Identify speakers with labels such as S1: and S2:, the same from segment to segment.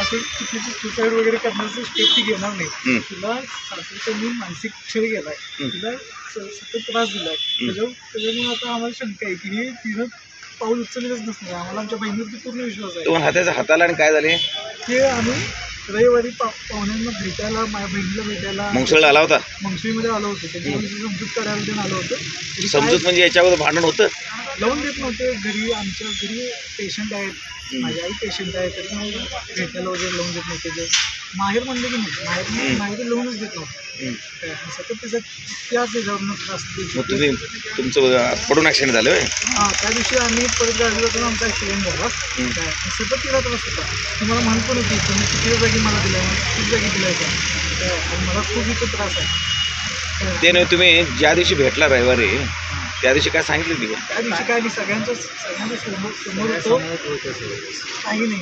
S1: असं चुकीची सुसाईड वगैरे करण्याचं स्टेप ती घेणार नाही. तिला सासऱ्यांनी मानसिक छळ केलाय, तिला सतत त्रास दिलाय. त्याच्यामुळे आता आम्हाला शंका आहे की हे तिनं पाऊल उचललेलंच नसणार. आम्हाला आमच्या बहिणीवरती पूर्ण विश्वास आहे.
S2: तुम्हाला हाताला आणि काय झाले
S1: ते आम्ही रविवारी पाहुण्यांना भेटायला, माझ्या बहिणीला भेटायला
S2: मंगसुळला आला होता.
S1: मंगसुळीमध्ये आलो होतो. त्याच्यामध्ये समजूत काढायला ते आलो होतं.
S2: समजूत म्हणजे याच्या अगोदर भांडण होतं,
S1: लावून देत नव्हते. घरी आमच्या घरी पेशंट आहेत, माझी आई पेशंट आहे, तरी मग भेटायला वगैरे लावून देत नव्हते. माहेर म्हणलं की नाही, माहेर लावूनच देत नव्हतं. सतत त्याचा त्याच त्याच्यावरून त्रास देत.
S2: तुम्ही तुमचं पडून ॲक्सिडेंट झालं होय?
S1: हां, त्या दिवशी आम्ही परत गाडी जाताना आमचा ॲक्सिडेंट झाला. सतत तिला त्रास होता. तुम्हाला म्हणत पण होती तुम्ही चुकीच्या जागी मला दिलाय, चुकीच्या जागी दिलाय का, मला खूप इथं त्रास आहे.
S2: ते नाही, तुम्ही ज्या दिवशी भेटला रविवारी त्या दिवशी काय सांगितलं ती?
S1: त्या दिवशी काय नाही, सगळ्यांच्या समोर होतो. काही नाही,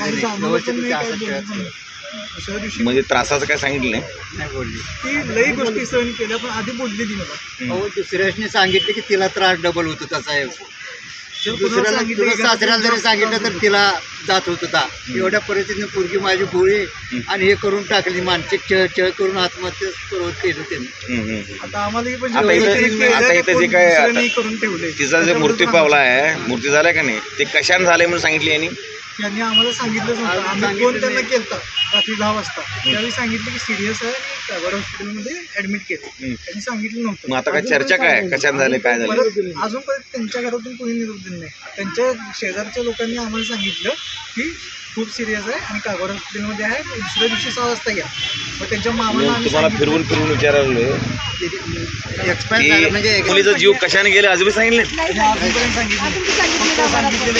S1: दुसऱ्या दिवशी
S2: म्हणजे त्रासाचं काय सांगितलं
S3: नाही बोलली.
S1: ती लई गोष्टी सहन केल्या, पण आधी बोलली ती मला.
S3: अहो दुसऱ्याने सांगितलं की तिला त्रास डबल होतो त्याचा आहे. दुसऱ्याला तुला सासऱ्याला जरी सांगितलं तर तिला जात होत होता. एवढ्या परिस्थितीने पोरगी माझी गोळी आणि हे करून टाकली, मानसिक छळ करून आत्महत्या करवत केलं त्यांनी.
S1: आता आम्हाला पण
S2: आता इथं जे काय
S1: करून ठेवले.
S2: तिचा जे मृत्यू पावला आहे, मृत्यू झालाय का नाही, ते कशाने झाले म्हणून सांगितले यांनी?
S1: यांनी आम्हाला सांगितलंच नव्हतं. आम्ही फोन त्यांना केलता रात्री 10 वाजता. त्यावेळी सांगितलं की सिरियस आहे आणि कागवाड हॉस्पिटलमध्ये ऍडमिट केलं. त्यांनी सांगितलं नव्हतं.
S2: मग आता काय चर्चा काय कशाने झाले, काय झालं?
S1: अजूनपर्यंत त्यांच्या घरातून कोणी निरोप दिला नाही. त्यांच्या शेजारच्या लोकांनी आम्हाला सांगितलं की खूप सिरियस आहे आणि कागवाड हॉस्पिटलमध्ये आहे, दुसऱ्या दिवशी 6 वाजता या. मग त्यांच्या मामाला
S2: तुम्हाला फिरवून विचारलं
S3: एक्सपायर झालं म्हणजे
S2: मुलीचा जीव कशाने गेला अजून सांगितले?
S1: अजूनपर्यंत सांगितलं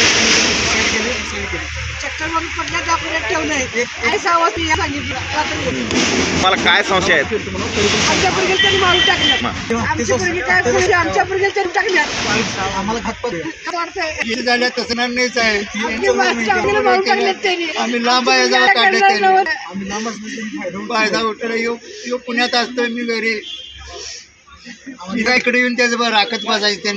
S4: चक्कर मारून पडल्या दाखवण्यात ठेवलंय. आई 6 वाजता सांगितलं रात्री.
S2: मला काय संशय आहेत?
S4: आमच्या पुरगेल त्यांनी मारून टाकलं. आमची पुरगी काय पुरगी आमच्या पुरगेल त्यांनी टाकल्यात.
S1: आम्हाला घातपात
S4: वाटतंय
S3: झाल्या तसं नाहीच आहे.
S4: आम्हाला मारून टाकल्यात त्यांनी.
S3: आम्ही लांब आहे जाऊ काढले त्यांनी.
S1: आम्ही लांब असण्याचा
S3: फायदा उठला. यो पुण्यात असतोय, मी घरी. मी काय इकडे येऊन त्याचं बरं राखत बसायचं त्यांनी.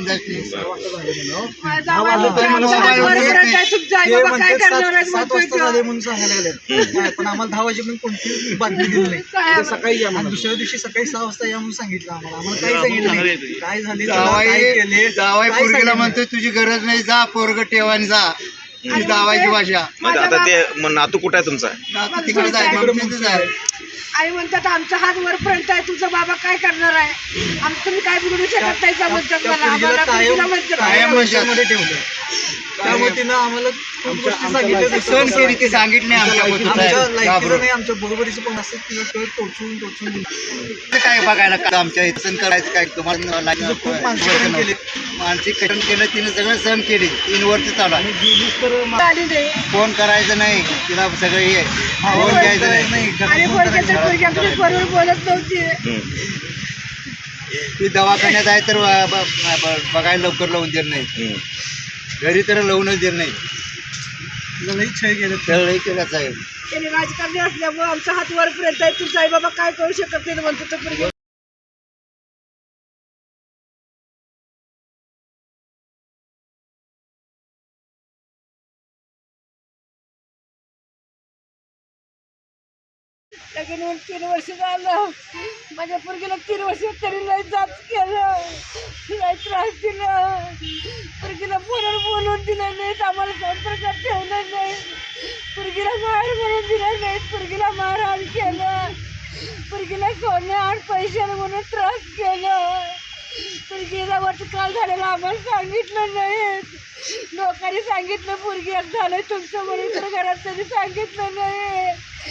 S1: म्हणून सांगायला लागले, पण आम्हाला 10 वाजेपर्यंत कोणतीच बातमी दिली नाही. सकाळी या, दुसऱ्या दिवशी सकाळी 6 वाजता या म्हणून सांगितलं आम्हाला. आम्हाला काही सांगितलं नाही, काय झाले, काय केले.
S3: जावाई पोरगीला म्हणतोय तुझी गरज नाही, जा पोरग ठेवानी जा. ही जावायची भाषा.
S2: आता ते नातू कुठं आहे तुमचा?
S3: तिकडे जाय.
S4: आई म्हणतात आमचा हात वरपर्यंत आहे, तुझा बाबा काय करणार आहे, आमचं तुम्ही काय बोलू शकत नाही का म्हणतात मला. आम्हाला पुरगीला म्हणतात
S3: कायम
S1: मध्ये ठेवलं. त्यामुळे तिनं आम्हाला खूप गोष्टी सांगितल्या.
S3: सण केली ती सांगितली
S1: आमच्या लायकीचं नाही, आमच्या बरोबरीचं पण असं तिला टोचून दिलं.
S3: काय बघायला का आमच्या इथं सण करायचं काय तुम्हाला
S1: खूप मानसिक केले.
S3: मानसिक कठीण केलं तिने, सगळं सण केली. 3 वर्ष चालू आहे.
S1: गेलीच तर
S4: आली नाही.
S3: फोन करायचं नाही तिला, सगळं हे फोन घ्यायचं नाही.
S4: आणि पोरगी आमच्या बरोबर बोलत नव्हती.
S3: ती दवाखान्यात आहे तर बघायला लवकर लावून देत नाही, घरी तर लावूनच देत नाही.
S1: लई छळ केलं.
S3: खेळही केलाच आहे.
S4: त्यांनी राजकारणी असल्यामुळे आमचा हात वरपर्यंत आहे, तुझा आई बाबा काय करू शकत नाही म्हणतो तो पोरगी. लगेच 3 वर्ष झालं. माझ्या पोरगीला 3 वर्ष तरी लय जाच केलं, लय त्रास दिला. पोरगीला फोनवर बोलून दिलं नाहीत, आम्हाला संपर्कात ठेवलं नाही, पोरगीला मार म्हणून दिलं नाही, पोरगीला मारहाण केलं, पोरगीला सोने आणि पैसे म्हणून त्रास केलं. पोरगीला काल झालेलं आम्हाला सांगितलं नाही. लोकांनी सांगितलं पोरगी झालंय तुमचं म्हणून, तर घरात त्यांनी सांगितलं नाही.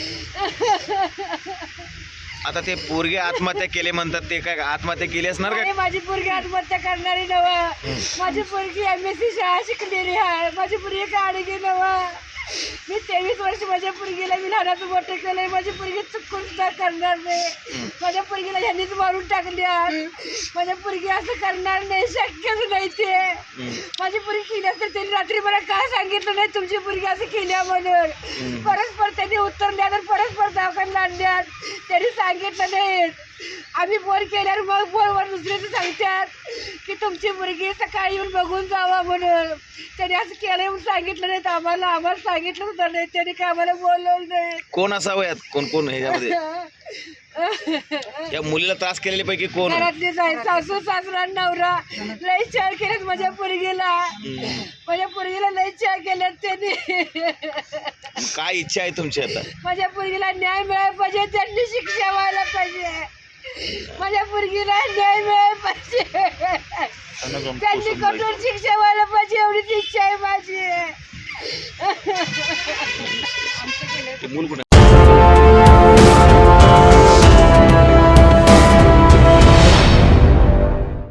S2: आता ते पोरगे आत्महत्या केले म्हणतात, ते काय आत्महत्या केली असणार का?
S4: माझी पोरगी आत्महत्या करणारी नवा. माझी पोरगी MSc शाळा शिकलेली आहे. माझी पोरगी काढगी नवा. मी 23 वर्ष माझ्या पोरगीला मी लहानाचं मोठं केलंय. माझी पोरगी चुकून सुद्धा करणार नाही. माझ्या पोरगीला ह्यांनीच मारून टाकल्या. माझ्या पोरगी असं करणार नाही, शक्यच नाही ते. माझी पोरगी केली तर त्यांनी रात्री मला काय सांगितलं नाही तुमची पोरगी असं केल्या म्हणून. परस्पर त्यांनी उत्तर द्या तर परस्पर दवाखान्यात आणल्यात, त्यांनी सांगितलं नाही. आम्ही फोन केल्यावर मग फोनवर दुसऱ्याचं सांगतात की तुमची मुलगी सकाळी येऊन बघून जावा म्हणून. त्याने असं केलं म्हणून सांगितलं नाही आम्हाला सांगितलं होतं नाही, त्याने काय आम्हाला बोलवलं नाही.
S2: कोण असावं यात, कोण कोण ह्याच्यामध्ये या मुलीला त्रास केलेल्या पैकी कोण आहे?
S4: घरातली जाय सासू सासरा नवरा लई छळ केलेत माझ्या पोरगीला. माझ्या पोरगीला लई छळ केलेत त्यांनी.
S2: काय इच्छा आहे तुमची आता?
S4: माझ्या पोरगीला न्याय मिळायला पाहिजे, त्यांनी शिक्षा व्हायला पाहिजे. माझ्या पोरगीला न्याय मिळायला पाहिजे, त्यांनी कठोर शिक्षा व्हायला पाहिजे, एवढीच इच्छा आहे माझी.
S2: ते मूल कुठे